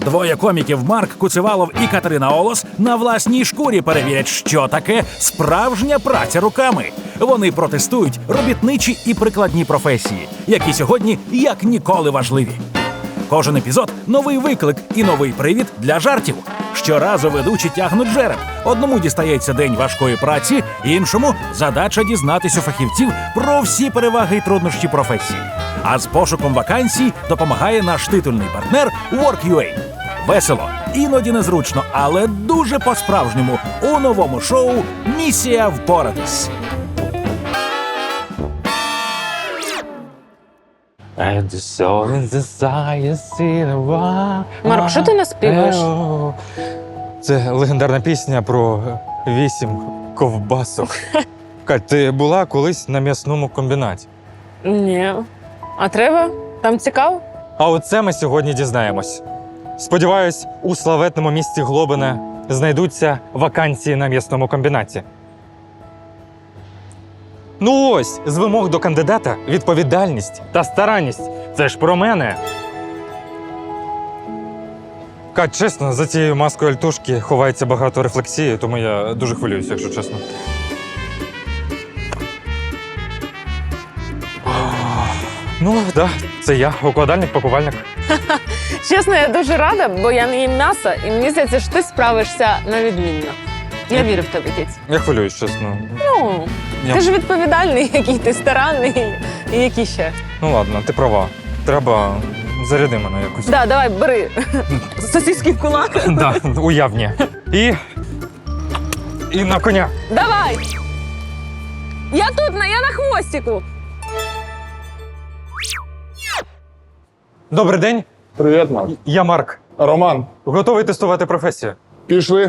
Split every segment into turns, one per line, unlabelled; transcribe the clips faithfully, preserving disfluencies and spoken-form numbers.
Двоє коміків Марк Куцевалов і Катерина Олос на власній шкурі перевірять, що таке справжня праця руками. Вони протестують робітничі і прикладні професії, які сьогодні як ніколи важливі. Кожен епізод – новий виклик і новий привід для жартів. Щоразу ведучі тягнуть жереб. Одному дістається день важкої праці, іншому – задача дізнатись у фахівців про всі переваги і труднощі професії. А з пошуком вакансій допомагає наш титульний партнер Work.ua. Весело, іноді незручно, але дуже по-справжньому у новому шоу «Місія впоратись».
Марк, що ти наспіваєш?
Це легендарна пісня про вісім ковбасок. Кать, ти була колись на м'ясному комбінаті?
Ні. А треба? Там цікаво?
А оце ми сьогодні дізнаємось. Сподіваюсь, у славетному місті Глобине знайдуться вакансії на м'ясному комбінаті. Ну ось, з вимог до кандидата – відповідальність та старанність. Це ж про мене. Кать, чесно, за цією маскою альтушки ховається багато рефлексії, тому я дуже хвилююся, якщо чесно. Ну, так, да, це я, укладальник-пакувальник.
Чесно, я дуже рада, бо я не їм м'ясо, і мені здається, що ти справишся на відмінно. Я вірю в тебе, Кіць.
Я хвилююсь, чесно.
Ну,
Я-
ти ж відповідальний, який ти старанний, і який ще.
Ну ладно, ти права. Треба заряди мене якось.
Да, давай, бери сосиски в кулак.
Да, уявні. І. І на коня.
Давай! Я тут, на- я на хвостику.
Добрий день,
Привіт, Марк.
я Марк.
Роман,
Готовий тестувати професію?
пішли.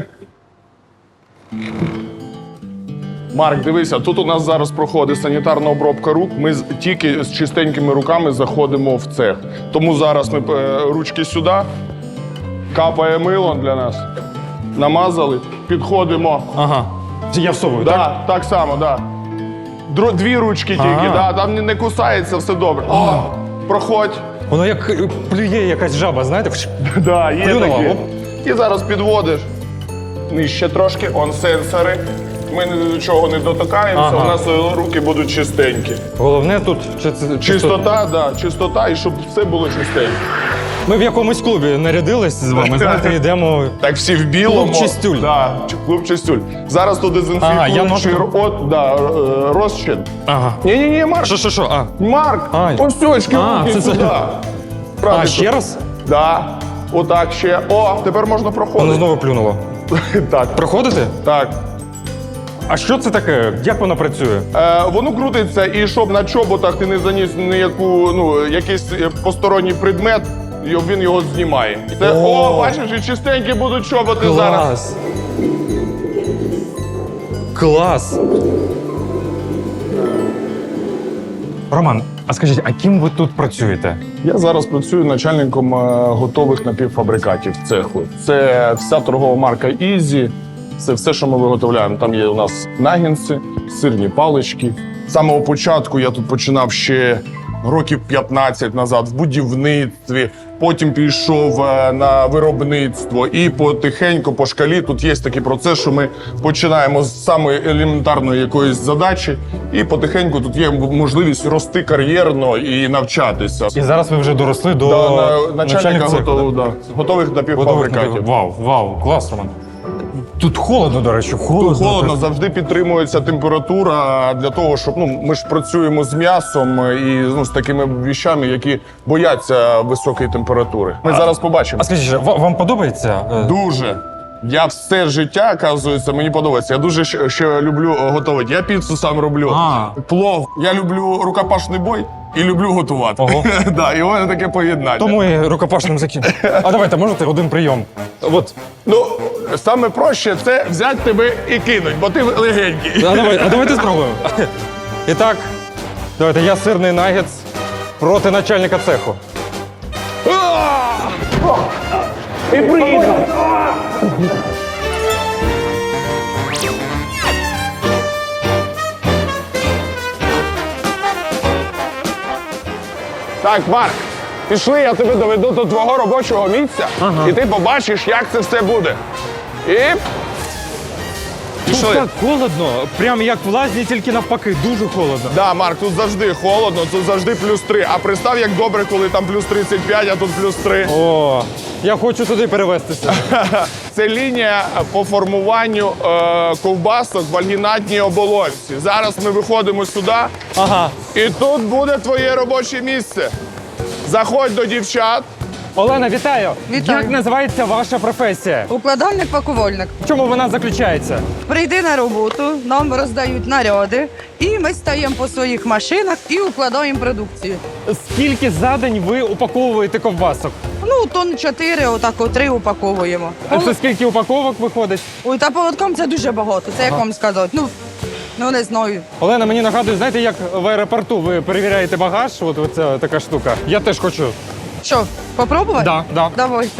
Марк, дивися, тут у нас зараз проходить санітарна обробка рук. Ми з- тільки з чистенькими руками заходимо в цех. Тому зараз ми е, ручки сюди, капає мило для нас, намазали, підходимо.
Ага. Я всовую, так?
Да, так само, да. Дро- Дві ручки тільки,
Ага.
да, там не- не кусається, все добре. О, проходь.
Воно як е, плює якась жаба, знаєте? Вш-
Да, є
Плюнула,
таке.
оп.
І зараз підводиш. Нижче трошки, он сенсори. Ми ні до чого не дотикаємося,
Ага.
у нас е, руки будуть чистенькі.
Головне тут чи це-
Чистота, да, чистота, і щоб все було чистеньке.
Ми в якомусь клубі нарядились з вами, знаєте, йдемо.
Так всі в білому.
Клуб Чистюль.
Да, ч- клуб Чистюль. Зараз тут
Ага, я
дезінфікуючий
можу-
от, да, е, розчин.
Ага.
Ні-ні-ні, Марк,
Що, що, що? А,
Марк,
А,
ось сьочки,
а,
руки
це- це-
сюди.
а
Правильно.
ще раз?
Да, отак ще. О, тепер можна
Воно
проходити.
знову плюнуло.
Так,
Проходите?
так.
А що це таке? Як воно працює?
Е, воно крутиться, і щоб на чоботах ти не заніс ніяку, ну, якийсь е, посторонній предмет, і він його знімає. Це,
О!
о, бачиш, і чистенькі будуть чоботи зараз.
Клас! Клас! Роман, а скажіть, а ким ви тут працюєте?
Я зараз працюю начальником е, готових напівфабрикатів цеху. Це вся торгова марка Ізі. Це все, що ми виготовляємо. Там є у нас нагінці, сирні палички. З самого початку я тут починав ще років п'ятнадцять назад в будівництві. Потім пішов е, на виробництво. І потихеньку, по шкалі, тут є такий процес, що ми починаємо з самої елементарної якоїсь задачі, і потихеньку тут є можливість рости кар'єрно і навчатися.
І зараз ви вже доросли до
Да, на, начальника
цеху,
готов,
да?
да? готових
Готових
напівфабрикатів.
напів- Вау, вау, клас, Роман. Тут холодно, до речі, холодно.
Тут холодно, завжди підтримується температура для того, щоб ну ми ж працюємо з м'ясом і ну з такими віщами, які бояться високої температури. Ми зараз побачимо.
А скажіть, ва- вам подобається? е,
Дуже. Я все життя, оказується, мені подобається. Я дуже ще, ще люблю е, готувати. Я піцу сам роблю,
А.
плов. Я люблю рукопашний бой і люблю готувати.
Ого.
Да, і у мене таке поєднання.
Тому і рукопашним закінчимо. А давайте, можете один прийом? От.
Ну, саме проще це взяти тебе і кинуть, бо ти легенький.
А, давай, а давайте спробуємо. І так, давайте, я сирний нагетс проти начальника цеху.
І приїхав. Так, Марк, Пішли, я тебе доведу до твого робочого місця,
Ага.
і ти побачиш, як це все буде. І
Тут
пішли.
так холодно, прям як в лазні, тільки навпаки, дуже холодно.
Да, Марк, тут завжди холодно, тут завжди плюс три. А представ, як добре, коли там плюс тридцять п'ять, а тут плюс три.
О, я хочу туди перевестися.
Це лінія по формуванню е, ковбасок в альгінатній оболонці. Зараз ми виходимо сюди,
Ага.
і тут буде твоє робоче місце. Заходь до дівчат.
Олена, вітаю.
Вітаю.
Як називається ваша професія?
Укладальник-пакувальник.
В чому вона заключається?
Прийди на роботу, нам роздають наряди, і ми стаємо по своїх машинах і укладаємо продукцію.
Скільки за день ви упаковуєте ковбасок?
Ну, тонн чотири, отак о три упаковуємо.
А це скільки упаковок виходить?
Ой, та поводком це дуже багато, це як вам сказати. Ну, ну не знаю.
Олена, мені нагадує, знаєте, як в аеропорту ви перевіряєте багаж, от оця така штука. Я теж хочу.
Що, попробувати?
Да, да.
Давайте.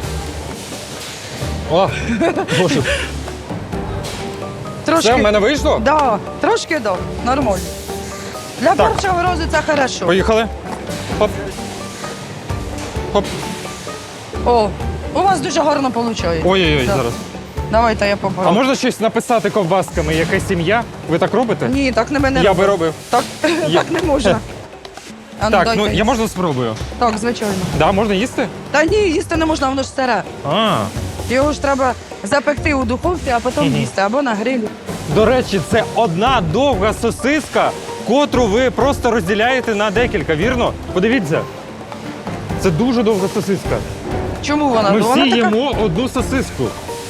О, Боже.
Трошки.
Все, в мене вийшло?
Да, трошки да, нормально. Для
Так.
першого разу це хорошо.
Поїхали. Хоп. Хоп.
О, у вас дуже гарно виходить.
Ой-ой-ой,
Да.
зараз.
Давайте я
А
попробую.
можна щось написати ковбасками? Якась сім'я? Ви так робите?
Ні, так не мене.
Я би робив.
Так,
Я-
так не можна. А ну,
Так,
дайте.
ну я можна спробую.
Так, звичайно.
Да, можна їсти?
Та ні, їсти не можна, воно ж старе.
А.
Його ж треба запекти у духовці, а потім їсти або на грилі.
До речі, це одна довга сосиска, котру ви просто розділяєте на декілька, вірно? Подивіться. Це дуже довга сосиска.
Чому вона?
Ми
вона
всі
така...
їмо одну сосиску.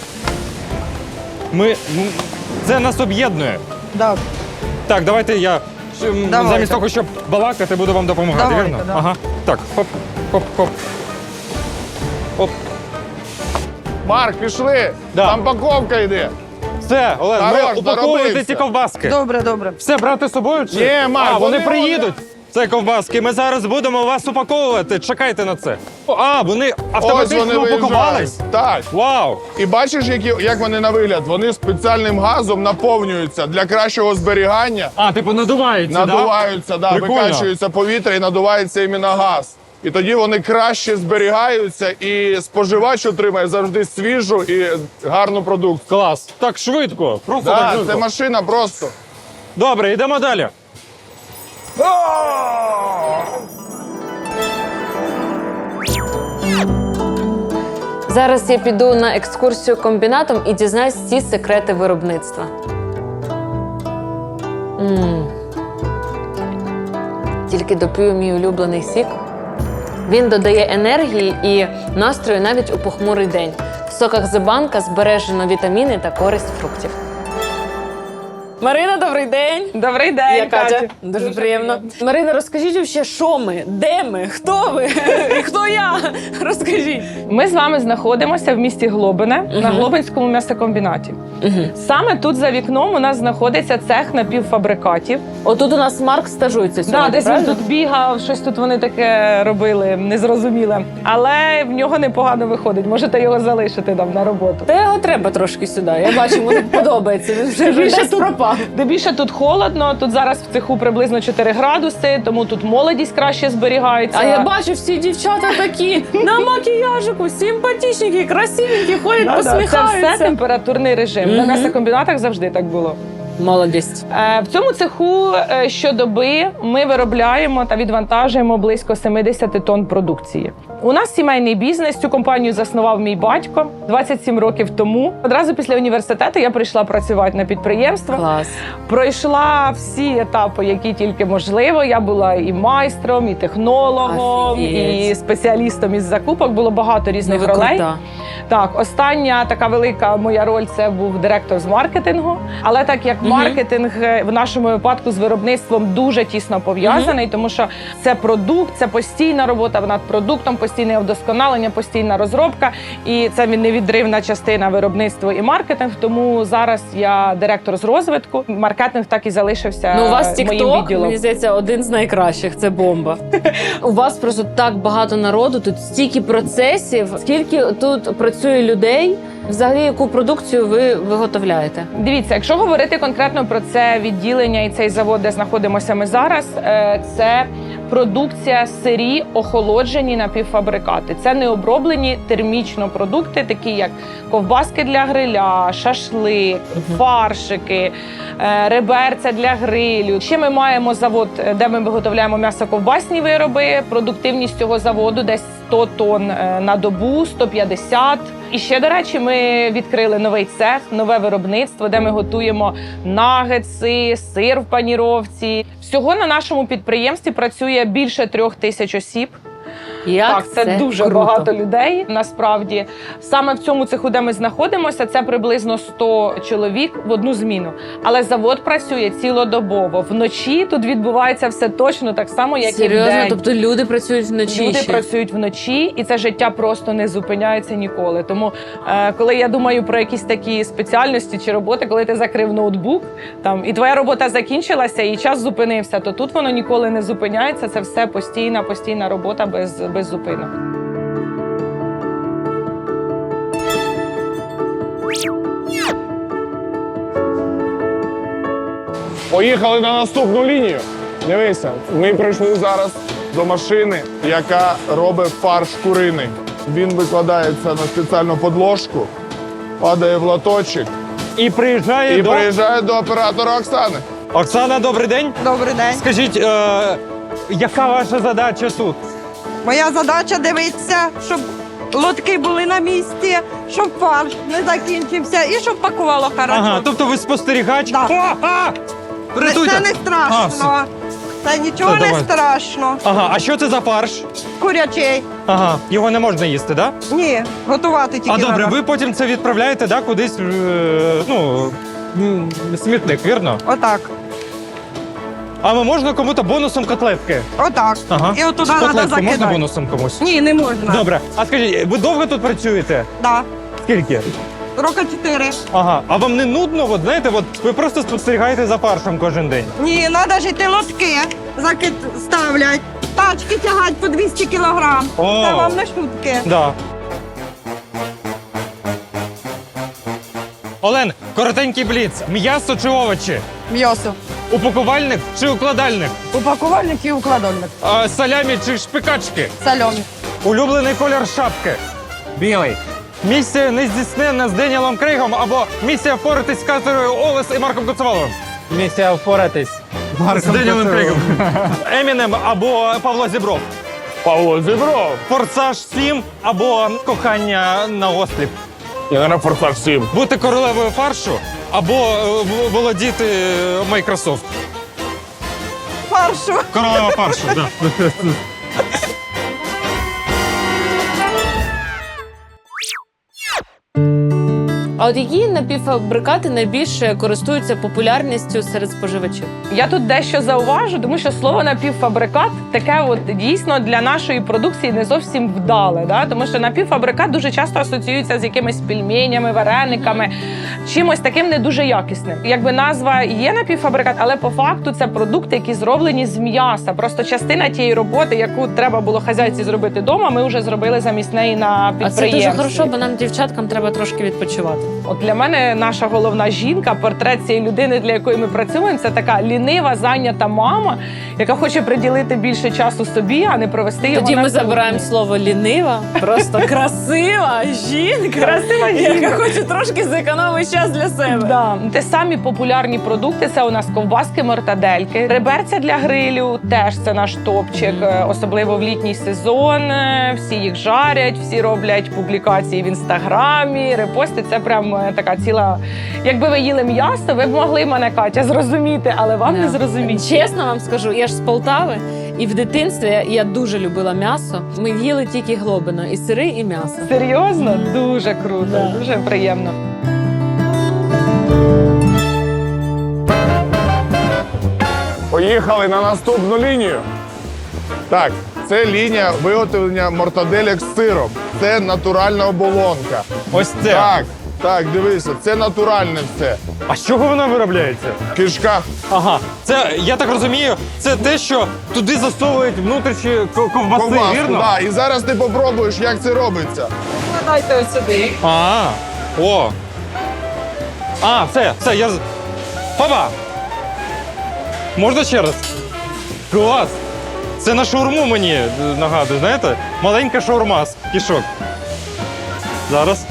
Ми... ну, Це нас об'єднує.
Да.
Так, давайте я ш- м,
Давайте.
замість того, щоб балакати, буду вам допомагати,
Давайте,
вірно?
да.
Ага. Так, хоп, хоп, хоп. Хоп.
Марк, пішли.
Да.
Там паковка йде.
Все, Олен,
Хорош,
ми упаковуєте
доробився.
ці ковбаски.
Добре, добре.
Все брати з собою? Чи?
Ні, Марк,
а, вони,
вони-
приїдуть. Це ковбаски. Ми зараз будемо вас упаковувати. Чекайте на це. О, А, вони
Ось
автоматично
вони
упакувались.
виїжджають. Так.
Вау!
І бачиш, які, як вони на вигляд? Вони спеціальним газом наповнюються для кращого зберігання.
А, типу надуваються,
Надуваються, да,
Прикольно.
викачується повітря і надувається іменно газ. І тоді вони краще зберігаються, і споживач отримає завжди свіжу і гарну продукцію.
Клас. Так швидко. Просто так
Да,
швидко.
це машина просто.
Добре, йдемо далі.
Зараз я піду на екскурсію комбінатом і дізнаюсь всі секрети виробництва. М. Тільки доп'ю мій улюблений сік. Він додає енергії і настрою навіть у похмурий день. В соках Зебанка збережено вітаміни та користь фруктів. Марина, добрий день.
Добрий день,
Я Катя.
Катя.
Дуже, приємно. Марина, розкажіть вообще, що ми, де ми, хто ви і хто я? Розкажіть.
Ми з вами знаходимося в місті Глобине на Глобинському м'ясокомбінаті. Саме тут за вікном у нас знаходиться цех напівфабрикатів.
Отут у нас Марк стажується сьогодні,
Да, десь він
правильно?
тут бігав, щось тут вони таке робили, незрозуміле. Але в нього непогано виходить. Можете його залишити там на роботу.
Та його треба трошки сюди. Я бачу, йому тут подобається. Він вже
Більше
десь
тут-
пропав.
Де більше тут холодно, тут зараз в цеху приблизно чотири градуси, тому тут молодість краще зберігається.
А я бачу, всі дівчата такі на макіяжику, симпатичненькі, красивенькі, ходять,
Да-да, це
посміхаються.
все температурний режим.
Мгм.
На м'ясокомбінатах завжди так було.
Молодість.
Е, В цьому цеху е, щодоби ми виробляємо та відвантажуємо близько сімдесят тонн продукції. У нас сімейний бізнес. Цю компанію заснував мій батько двадцять сім років тому. Одразу після університету я прийшла працювати на підприємство.
Клас.
Пройшла всі етапи, які тільки можливо. Я була і майстром, і технологом,
Офігеть.
і спеціалістом із закупок. Було багато різних
Ну, ви
ролей.
крута.
Так, остання така велика моя роль це був директор з маркетингу. Але так як
Мгм.
маркетинг е, в нашому випадку з виробництвом дуже тісно пов'язаний, тому що це продукт, це постійна робота над продуктом, постійне вдосконалення, постійна розробка, і це невідривна частина виробництва і маркетинг. Тому зараз я директор з розвитку. Маркетинг так і залишився
Ну, у вас
моїм
TikTok,
відділом.
мені здається, один з найкращих. Це бомба. У вас просто так багато народу, тут стільки процесів, скільки тут працює людей. Взагалі, яку продукцію ви виготовляєте?
Дивіться, якщо говорити конкретно про це відділення і цей завод, де знаходимося ми зараз, е, це продукція сирі, охолоджені напівфабрикати. Це не оброблені термічно продукти, такі як ковбаски для гриля, шашлик, фаршики, е, реберця для грилю. Ще ми маємо завод, де ми виготовляємо м'ясоковбасні вироби. Продуктивність цього заводу десь сто тонн е, на добу, сто п'ятдесят. І ще, до речі, ми відкрили новий цех, нове виробництво, де ми готуємо нагетси, сир в паніровці. Всього на нашому підприємстві працює більше трьох тисяч осіб.
Як
Так, це,
це
дуже
круто.
багато людей. Насправді, саме в цьому цеху, де ми знаходимося, це приблизно сто чоловік в одну зміну. Але завод працює цілодобово. Вночі тут відбувається все точно так само, як і
Серйозно?
вдень.
Тобто люди працюють вночі
Люди
ще?
працюють вночі, і це життя просто не зупиняється ніколи. Тому, е, коли я думаю про якісь такі спеціальності чи роботи, коли ти закрив ноутбук, там і твоя робота закінчилася, і час зупинився, то тут воно ніколи не зупиняється. Це все постійна, постійна робота без, без зупинок.
Поїхали на наступну лінію. Дивися, ми прийшли зараз до машини, яка робить фарш куриний. Він викладається на спеціальну подложку, падає в лоточок
І приїжджає
і
до...
приїжджає до оператора Оксани.
Оксана, добрий день.
Добрий день.
Скажіть, е, яка ваша задача тут?
Моя задача дивитися, щоб лотки були на місці, щоб фарш не закінчився і щоб пакувало хорошо.
Ага, тобто ви спостерігач?
Да.
О, а!
Це
Рятуйте!
не
А, все.
страшно. Це нічого
Все,
не
давай.
страшно.
Ага, а що це за фарш?
Курячий.
Ага, його не можна їсти, так? Да?
Ні, готувати тільки
А добре,
треба.
ви потім це відправляєте, да, кудись, е, ну, м, смітник, вірно?
Отак.
А ми можна кому-то бонусом котлетки?
Отак.
Ага.
І отуди треба
Котлетку можна
закидати.
бонусом комусь?
Ні, не можна.
Добре. А скажіть, ви довго тут працюєте?
Да.
Скільки?
Роки чотири.
Ага. А вам не нудно? От знаєте, от ви просто спостерігаєте за фаршем кожен день.
Ні, треба жити лотки, закид ставлять. Тачки тягать по двісті кілограм.
О.
Це вам не шутки.
Да. Олен, коротенький бліц. М'ясо чи овочі?
М'ясо.
Упакувальник чи укладальник?
Упакувальник і укладальник.
А, салямі чи шпикачки?
Сальоний.
Улюблений колір шапки? Білий. Місія нездійсненна з Деніелом Крейгом або місія впоратись з Катерою Олес і Марком Коцеваловим?
Місія впоратись.
З Деніелом Крейгом. Емінем або Павло Зібров?
Павло Зібров.
Форсаж сім або кохання на осліп?
Я на форсаж сім.
Бути королевою фаршу або е, в- володіти е, Microsoft?
Фаршу.
Королева фаршу, так.
А от які напівфабрикати найбільше користуються популярністю серед споживачів?
Я тут дещо зауважу, тому що слово напівфабрикат таке от дійсно для нашої продукції не зовсім вдале. Да? Тому що напівфабрикат дуже часто асоціюється з якимись пельменями, варениками, чимось таким не дуже якісним. Якби назва є напівфабрикат, але по факту це продукти, які зроблені з м'яса. Просто частина тієї роботи, яку треба було хазяйці зробити вдома, ми вже зробили замість неї на
А
підприємстві.
це дуже хорошо, бо нам, дівчаткам, треба трошки відпочивати.
От для мене наша головна жінка, портрет цієї людини, для якої ми працюємо, це така лінива, зайнята мама, яка хоче приділити більше часу собі, а не провести його
Тоді
на
ми
кухні.
забираємо слово лінива, просто красива жінка,
Красива жінка.
яка хоче трошки зекономити час для себе.
Да. Те самі популярні продукти це у нас ковбаски, мортадельки, реберця для грилю, теж це наш топчик, е, особливо в літній сезон. е, Всі їх жарять, всі роблять публікації в інстаграмі, репости. Це прям е, така ціла. Якби ви їли м'ясо, ви б могли мене, Катя, зрозуміти, але вам не
Да.
зрозуміти.
Чесно вам скажу, я ж з Полтави, і в дитинстві я дуже любила м'ясо. Ми їли тільки глобино, і сири, і м'ясо.
Серйозно? Дуже круто,
Да.
дуже приємно.
Поїхали на наступну лінію. Так, це лінія виготовлення мортаделек з сиром. Це натуральна оболонка.
Ось це.
Так, так, дивися, це натуральне все.
А з чого вона виробляється?
В кишках.
Ага, це, я так розумію, це те, що туди засовують внутрішні ко- ковбаси,
Ковбаску,
вірно?
да. І зараз ти попробуєш, як це робиться.
Дайте ось сюди.
А, о. А, все, все, я... з- Папа! Можна ще раз? Клас! Це на шаурму мені е, нагадує, знаєте? Маленька шаурма з кішок. Зараз.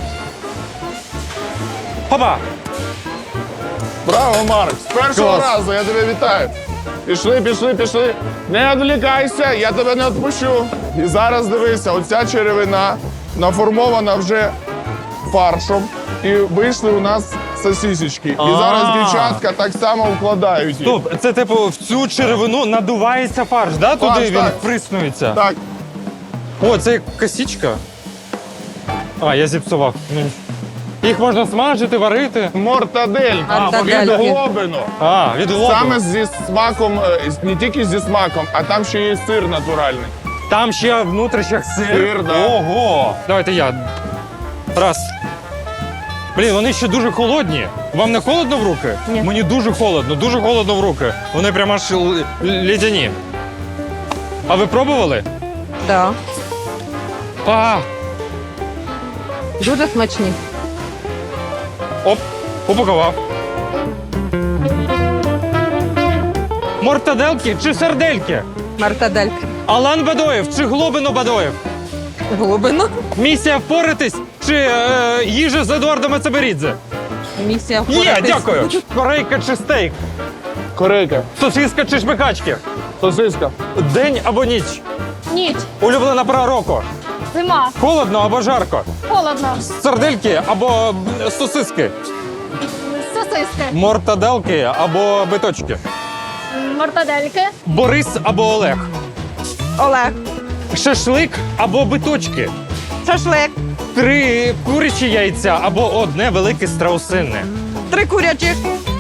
Папа!
Браво, Марк! З першого
Клас.
разу я тебе вітаю. Пішли, пішли, пішли. Не відволікайся, я тебе не відпущу. І зараз дивися, оця черевина наформована вже фаршем. І вийшли у нас сосисечки. І
А.
зараз дівчатка так само вкладають їх.
Стоп, це типу в цю черевину надувається фарш, да? Туди
Фарш,
він
так.
вприснується.
Так,
О, це як косічка. А, я зіпсував. Ну, їх можна смажити, варити.
мортадельки.
Мортадельки.
Від глобину.
А, від лобу.
Саме зі смаком, е, не тільки зі смаком, а там ще є сир натуральний.
Там ще внутрішніх сир.
Сир, да.
Ого! Давайте я. Раз. Блін, вони ще дуже холодні. Вам не холодно в руки?
Ні.
Мені дуже холодно, дуже холодно в руки. Вони прямо аж л- ледяні. А ви пробували?
Да.
А,
Дуже смачні.
оп, упакував. Мортаделки чи сардельки?
Мартадельки.
Алан Бадоєв чи Глобино Бадоєв?
Глибину.
Місія впоратись чи е, їжа з Едуардом Ацеберідзе?
Місія
Є,
впоратись.
дякую. Корейка чи стейк?
Корейка,
Сосиска чи шпикачки?
сосиска.
День або ніч?
Ніч,
Улюблена пора року?
зима,
Холодно або жарко?
холодно,
Сардельки або м, сосиски?
сосиски,
Мортаделки або биточки?
мортадельки,
Борис або Олег?
Олег.
Шашлик або биточки?
Шашлик.
Три курячі яйця або одне велике страусинне?
Три курячих.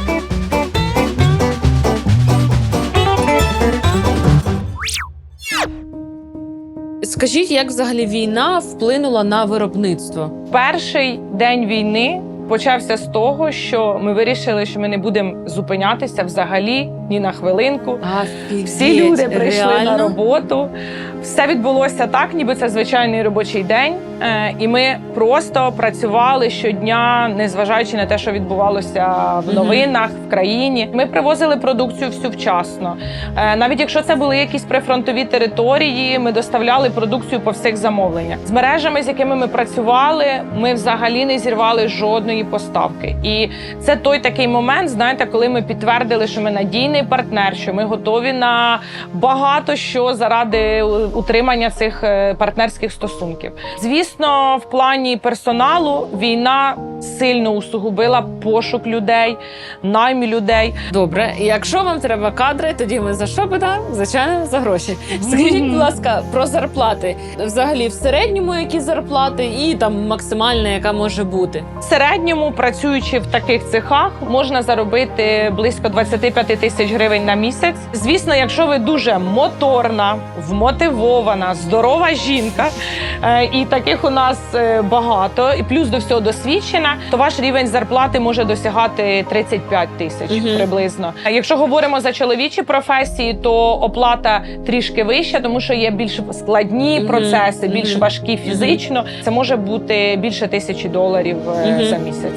Скажіть, як взагалі війна вплинула на виробництво?
Перший день війни почався з того, що ми вирішили, що ми не будемо зупинятися взагалі ні на хвилинку. Всі люди прийшли на роботу. Все відбулося так, ніби це звичайний робочий день. Е, І ми просто працювали щодня, незважаючи на те, що відбувалося в новинах, в країні. Ми привозили продукцію всю вчасно. Е, Навіть якщо це були якісь прифронтові території, ми доставляли продукцію по всіх замовленнях. З мережами, з якими ми працювали, ми взагалі не зірвали жодної поставки. І це той такий момент, знаєте, коли ми підтвердили, що ми надійний партнер, що ми готові на багато що заради утримання цих е, партнерських стосунків. Звісно, в плані персоналу війна сильно усугубила пошук людей, найм людей.
Добре, якщо вам треба кадри, тоді ми за що питаємо? Звичайно, за гроші. Скажіть, будь ласка, про зарплати. Взагалі, в середньому які зарплати і там максимальна, яка може бути?
В середньому, працюючи в таких цехах, можна заробити близько двадцять п'ять тисяч гривень на місяць. Звісно, якщо ви дуже моторна, вмотивована, здорова жінка, е, і таких у нас е, багато, і плюс до всього досвідчена, то ваш рівень зарплати може досягати тридцять п'ять тисяч
Мгм.
приблизно. А якщо говоримо за чоловічі професії, то оплата трішки вища, тому що є більш складні
Мгм.
процеси, більш
Мгм.
важкі фізично. Це може бути більше тисячі доларів е,
Мгм.
за місяць.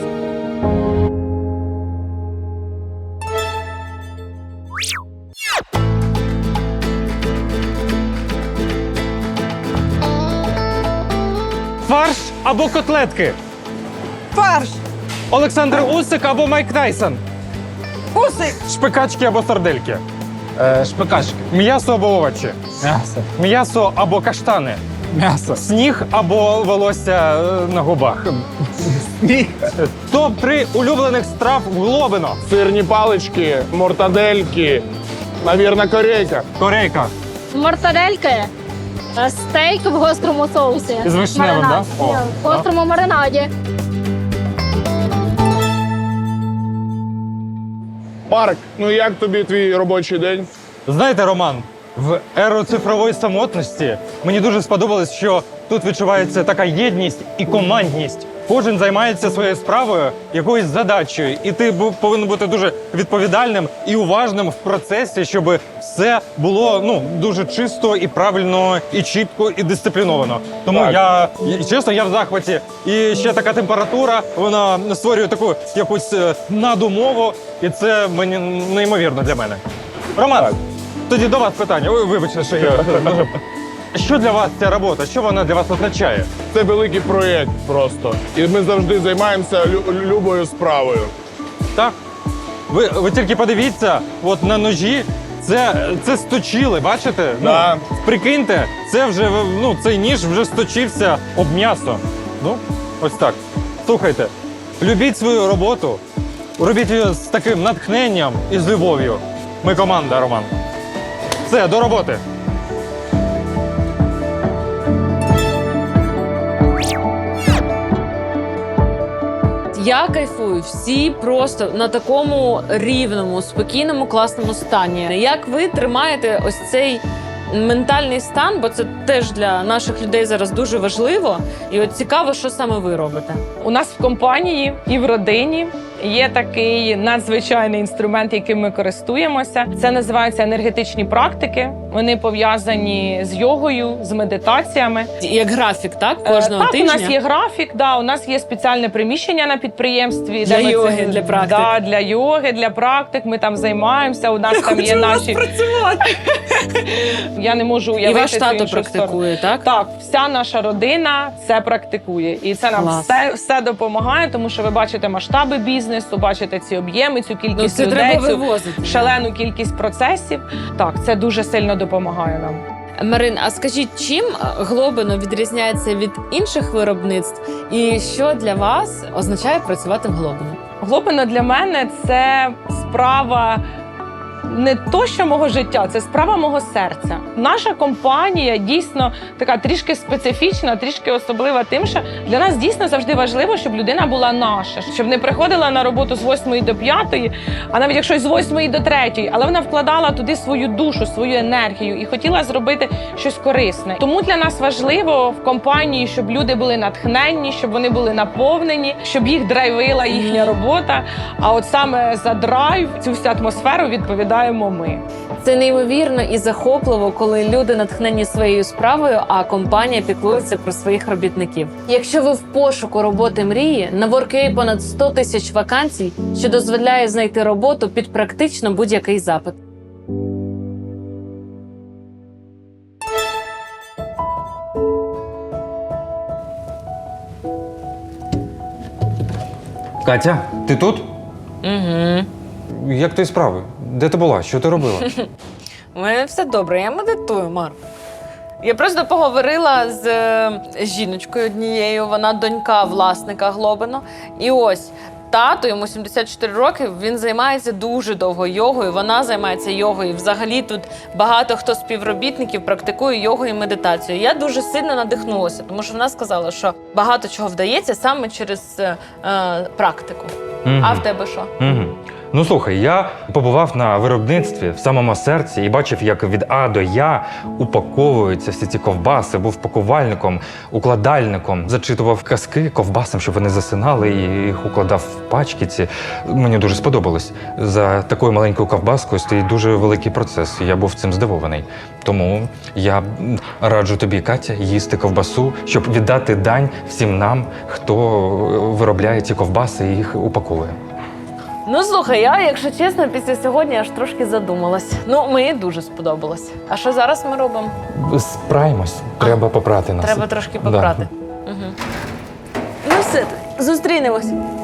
Фарш або котлетки?
Фарш.
Олександр Усик або Майк Тайсон?
Усик.
Шпикачки або сардельки?
Е, шпикачки.
М'ясо або овочі?
М'ясо.
М'ясо або каштани?
М'ясо.
Сніг або волосся е, на губах?
Сніг.
топ три улюблених страв в Глобино.
Сирні палички, мортадельки, навірно, корейка.
Корейка.
мортадельки, е, стейк в гострому соусі.
З вишневим,
Маринад.
да? О,
Ні, в гострому маринаді.
Марк, ну як тобі твій робочий день?
Знаєте, Роман, в еру цифрової самотності мені дуже сподобалось, що тут відчувається така єдність і командність. Кожен займається своєю справою, якоюсь задачею, і ти бу- повинен бути дуже відповідальним і уважним в процесі, щоб все було ну дуже чисто і правильно, і чітко, і дисципліновано. Тому
Так.
я і, чесно, я в захваті. І ще така температура, вона створює таку якусь е, надумову, і це мені неймовірно для мене. Роман,
Так.
тоді до вас питання. Ой, вибачте, що я дуже... Що для вас ця робота? Що вона для вас означає?
Це великий проєкт просто. І ми завжди займаємося лю- любою справою.
Так? Ви, ви тільки подивіться, от на ножі це, це сточили, бачите?
Да.
Ну, прикиньте, це вже, ну, цей ніж вже сточився об м'ясо. Ну, ось так. Слухайте, любіть свою роботу, робіть її з таким натхненням і з любов'ю. Ми команда, Роман. Все, до роботи.
Я кайфую, всі просто на такому рівному, спокійному, класному стані. Як ви тримаєте ось цей ментальний стан, бо це теж для наших людей зараз дуже важливо. І от цікаво, що саме ви робите.
У нас в компанії і в родині є такий надзвичайний інструмент, яким ми користуємося. Це називаються енергетичні практики. Вони пов'язані з йогою, з медитаціями.
Як графік, так?
Е,
Кожного
так,
тижня?
у нас є графік, да, у нас є спеціальне приміщення на підприємстві.
Для
де ми
йоги,
це-
для практик.
Да, для йоги, для практик. Ми там займаємося, у нас там є наші... Я не можу
І
уявити
ваш
цю
тато
іншу
практикує,
сторону.
так?
Так, вся наша родина це практикує. І це нам
Клас.
все, все допомагає, тому що ви бачите масштаби бізнесу, бачите ці об'єми, цю кількість
Ну, це
людей,
треба
цю
вивозити.
шалену кількість процесів. Так, це дуже сильно допомагає нам.
Марин, а скажіть, чим Глобино відрізняється від інших виробництв? І що для вас означає працювати в Глобино?
Глобино для мене це справа не то, що мого життя, це справа мого серця. Наша компанія дійсно така трішки специфічна, трішки особлива тим, що для нас дійсно завжди важливо, щоб людина була наша, щоб не приходила на роботу з восьмої до п'ятої, а навіть якщо з восьмої до третьої, але вона вкладала туди свою душу, свою енергію і хотіла зробити щось корисне. Тому для нас важливо в компанії, щоб люди були натхненні, щоб вони були наповнені, щоб їх драйвила їхня робота. А от саме за драйв, цю всю атмосферу відповідаємо ми.
Це неймовірно і захопливо, коли люди натхнені своєю справою, а компанія піклується про своїх робітників. Якщо ви в пошуку роботи мрії, на WorkUA понад сто тисяч вакансій, що дозволяє знайти роботу під практично будь-який запит.
Катя, ти тут?
Угу.
Як твої справи? Де ти була? Що ти робила?
У мене все добре, я медитую, Мар. Я просто поговорила з е, жіночкою однією, вона донька власника Глобино. І ось тато, йому сімдесят чотири роки, він займається дуже довго йогою, вона займається йогою. Взагалі тут багато хто з співробітників практикує йогу і медитацію. Я дуже сильно надихнулася, тому що вона сказала, що багато чого вдається саме через е, е, практику. А в тебе що?
Угу. Ну слухай, я побував на виробництві в самому серці і бачив, як від А до Я упаковуються всі ці ковбаси, був пакувальником, укладальником, зачитував казки ковбасам, щоб вони засинали, і їх укладав в пачки ці. Мені дуже сподобалось. За такою маленькою ковбаскою стоїть дуже великий процес, і я був цим здивований. Тому я раджу тобі, Катя, їсти ковбасу, щоб віддати дань всім нам, хто виробляє ці ковбаси і їх упаковує.
Ну, слухай, я, якщо чесно, після сьогодні аж трошки задумалась. Ну, мені дуже сподобалось. А що зараз ми робимо?
Справимось. Треба попрати нас.
Треба трошки попрати. Угу. Ну все, зустрінемось.